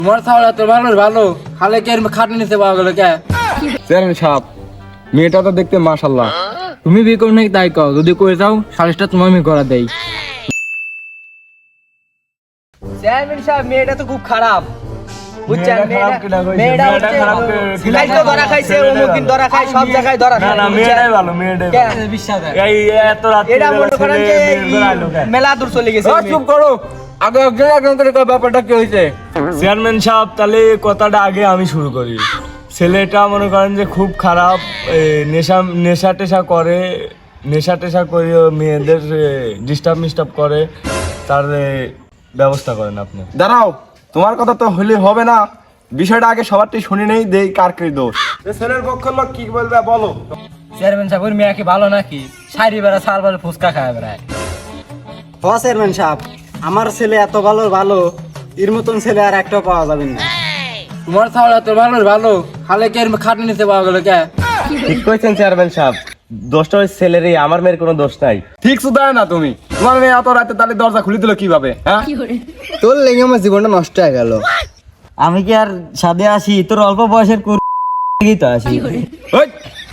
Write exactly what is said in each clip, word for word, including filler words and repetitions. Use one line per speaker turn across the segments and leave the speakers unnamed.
তোমার ছাওলা তো ভালো ভালো খালে কে খাটনি নিতে পাওয়া গেল কে
চেয়ারম্যান সাহেব মেয়েটা তো দেখতে মাশাআল্লাহ।
তুমি বিয়ে করো নাকি তাই কও, যদি করে যাও সালিশটা তোমার আমি করা দেই। চেয়ারম্যান সাহেব মেয়েটা তো খুব খারাপ বুঝছেন, মেয়েটা হচ্ছে ধরা খাইছে, অমুক দিন ধরা খায়, সব জায়গায় ধরা খায়। না না মেয়েটাই ভালো, মেয়েটাই বিশ্বাস এই এত রাত এটা মনে করেন যে মেলা দূর চলে গেছে।
চুপ করো, আগে একজন একজন করে কয় ব্যাপারটা কি হয়েছে।
চেয়ারম্যান সাহেব তাহলে কথাটা আগে আমি শুরু করি। ছেলেটা মনে করেন যে খুব খারাপ, নেশা নেশা টেশা করে, নেশা টেশা করে মেয়েদের ডিস্টার্ব মিস্টার্ব করে, তার ব্যবস্থা করেন আপনি।
দাঁড়াও, তোমার কথা তো হলে হবে না, বিষয়টা আগে সবারটাই শুনে নেই, দেই কার কি দোষ। ছেলের পক্ষের লোক কি বলবে বলো।
চেয়ারম্যান সাহেব ওর মেয়ে কি ভালো নাকি? সারি বেড়া সাল বেড়া ফুচকা খায় বেড়ায়।
হ চেয়ারম্যান সাহেব, আমার ছেলে এত ভালো ভালো, এর মতন ছেলে আর একটাও পাওয়া যাবে না।
তোমার ছাওলা তো ভালো ভালো খালে কে খাটনি নিতে পাওয়া গেল কে
ঠিক কইছেন চেয়ারম্যান সাহেব, দোষটা ওই ছেলেরই, আমার মেয়ের কোনো দোষ নাই।
ঠিক শুধায় না তুমি, তোমার মেয়ে এত রাতে তাহলে দরজা খুলে দিল কিভাবে? হ্যাঁ,
তোর লেগে আমার জীবনটা নষ্ট হয়ে গেল। আমি কি আর সাদে আসি? তোর অল্প বয়সের কুড়ি তো আসি।
ওই,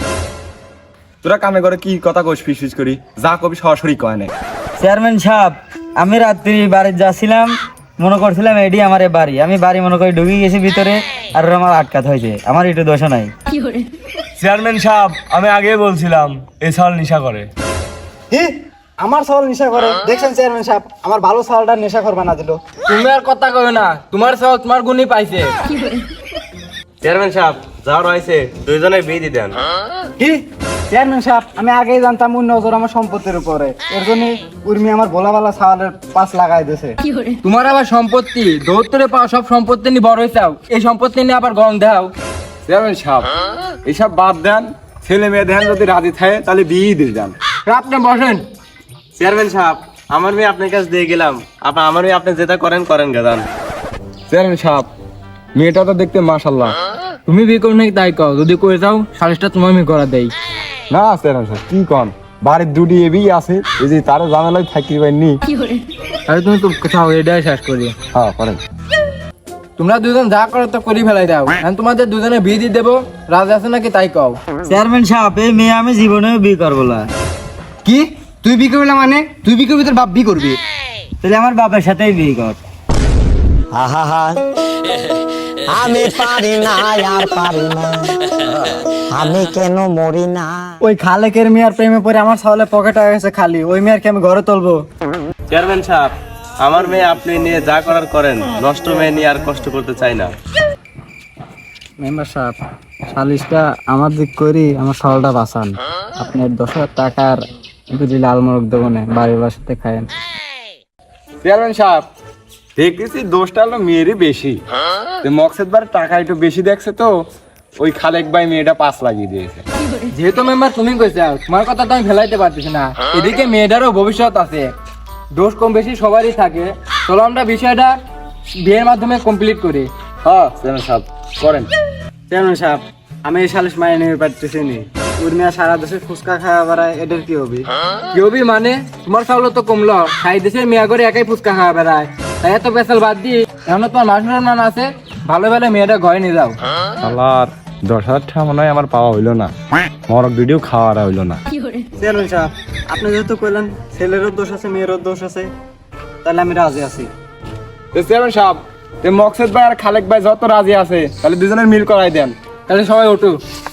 তোরা কামে করে কি কথা কইস ফিস ফিস করি, যা কবি সরাসরি কয় না।
চেয়ারম্যান সাহেব, আমি রাত্রি বাড়ি যাচ্ছিলাম, মনে করছিলাম এডি আমার বাড়ি, আমি বাড়ি মনে করি ঢুকে গেছি ভিতরে, আর ওরা আমার আটকাত হয়েছে, আমার একটু দোষ নাই।
চেয়ারম্যান সাহেব আমি আগে বলছিলাম এই সাল নেশা করে।
কি আমার সওয়াল নেশা করে? দেখছেন চেয়ারম্যান সাহেব, আমার ভালো সওয়ালটা নেশা করবা না দিল।
তুমি আর কথা কইও না, তোমার ছাওয়া তোমার গুণই পাইছে।
চেয়ারম্যান সাহেব যা রয়েছে দুইজনে বিয়ে দিয়ে দেন।
কি চেয়ারম্যান সাহেব, আমি আগেই জানতাম ওর নজর আমার সম্পত্তির উপরে, এর জন্য উর্মি আমার ভোলা ভালা সওয়ালের পাশ লাগাই দিয়েছে।
তোমার আবার সম্পত্তি দৌত্তরে পাওয়া সব সম্পত্তি নিয়ে বড় হয়েছাও, এই সম্পত্তি নিয়ে আবার গরম দেখাও।
চেয়ারম্যান সাহেব এইসব বাদ দেন, ছেলে মেয়ে দেন যদি রাজি থাকে তাহলে বিয়ে দিয়ে দেন।
আপনি বসেন।
চেয়ারম্যান সাহেব আমার মেয়ে আপনার কাছে দিয়ে গেলাম, আপনার আমার মেয়ে আপনি যেটা করেন করেন গেদান।
চেয়ারম্যান সাহেব মেয়েটা তো দেখতে মাশাআল্লাহ।
তুমি বিয়ে করো নাকি তাই কও, যদি করে যাও সালিশটা তোমার আমি করা দেই।
না চেয়ারম্যান সাহেব কি কন, বাড়ির দুটি এবি আছে, এই যে তার জানালাই থাকি পাইনি।
আরে তুমি তো চাও এটাই শেষ করি।
হ্যাঁ করেন।
তোমরা দুজন যা করো তো করি ফেলাই দাও, আমি তোমাদের দুজনে বিয়ে দিয়ে দেবো, রাজি আছে নাকি তাই কও।
চেয়ারম্যান সাহেব, এই মেয়ে আমি জীবনেও বিয়ে করবো না।
কি তুই বিয়ে করবি না মানে? তুই বিয়ে করবি তোর বাপ বিয়ে করবি?
তাহলে আমার বাপের সাথেই বিয়ে কর।
আমি পারি না আর পারি না, আমি কেন মরি না।
ওই খালেকের মেয়ের প্রেমে পড়ে আমার সওয়ালে পকেট হয়ে গেছে খালি, ওই মেয়ের কি আমি ঘরে তুলবো?
চেয়ারম্যান সাহেব আমার মেয়ে আপনি নিয়ে যা করার করেন, নষ্ট মেয়ে নিয়ে আর কষ্ট করতে চাই না।
মেম্বার সাহেব, সালিশটা আমার দিক করি, আমার সওয়ালটা বাঁচান। আপনার দশ হাজার টাকার দুটি লাল মোরগ দেবো না, বাড়ির বাসাতে খায়েন।
চেয়ারম্যান সাহেব দেখতেছি দোষটা হলো মেয়েরই বেশি, মকসেদ বার টাকা একটু বেশি দেখছে তো ওই খালেক ভাই মেয়েটা পাঁচ লাগিয়ে দিয়েছে।
যেহেতু মেম্বার তুমি কইছো, তোমার কথা তো আমি ফেলাইতে পারতেছি না, এদিকে মেয়েটারও ভবিষ্যৎ আছে, দোষ কম বেশি সবারই থাকে। চলো আমরা বিষয়টা বিয়ের মাধ্যমে কমপ্লিট করি।
হ্যাঁ চেয়ারম্যান সাহেব করেন।
চেয়ারম্যান সাহেব, আমি এই সালিশ মাইনে নিতে পারতেছি নি, উর্মিয়া সারা দেশে ফুচকা খাওয়া বেড়ায়, এটার কি হবে?
কি হবি মানে? তোমার চাউল তো কমলো, সাই দেশের মেয়া করে একাই ফুচকা খাওয়া বেড়ায়, তাই এত পেশাল বাদ দিয়ে এখন তোমার মাস মান আছে, ভালো ভালো মেয়েটা ঘরে নিয়ে যাও।
আল্লাহর দশ হাজার টাকা মনে হয় আমার পাওয়া হইলো না, মরক ভিডিও খাওয়া হইলো না।
চেয়ারম্যান সাহেব, আপনি যেহেতু কইলেন ছেলেরও দোষ আছে মেয়েরও দোষ আছে, তাহলে আমি রাজি আছি।
চেয়ারম্যান সাহেব মকসেদ ভাই আর খালেক ভাই যত রাজি আছে তাহলে দুজনের মিল করাই দেন।
তাহলে সবাই ওঠো।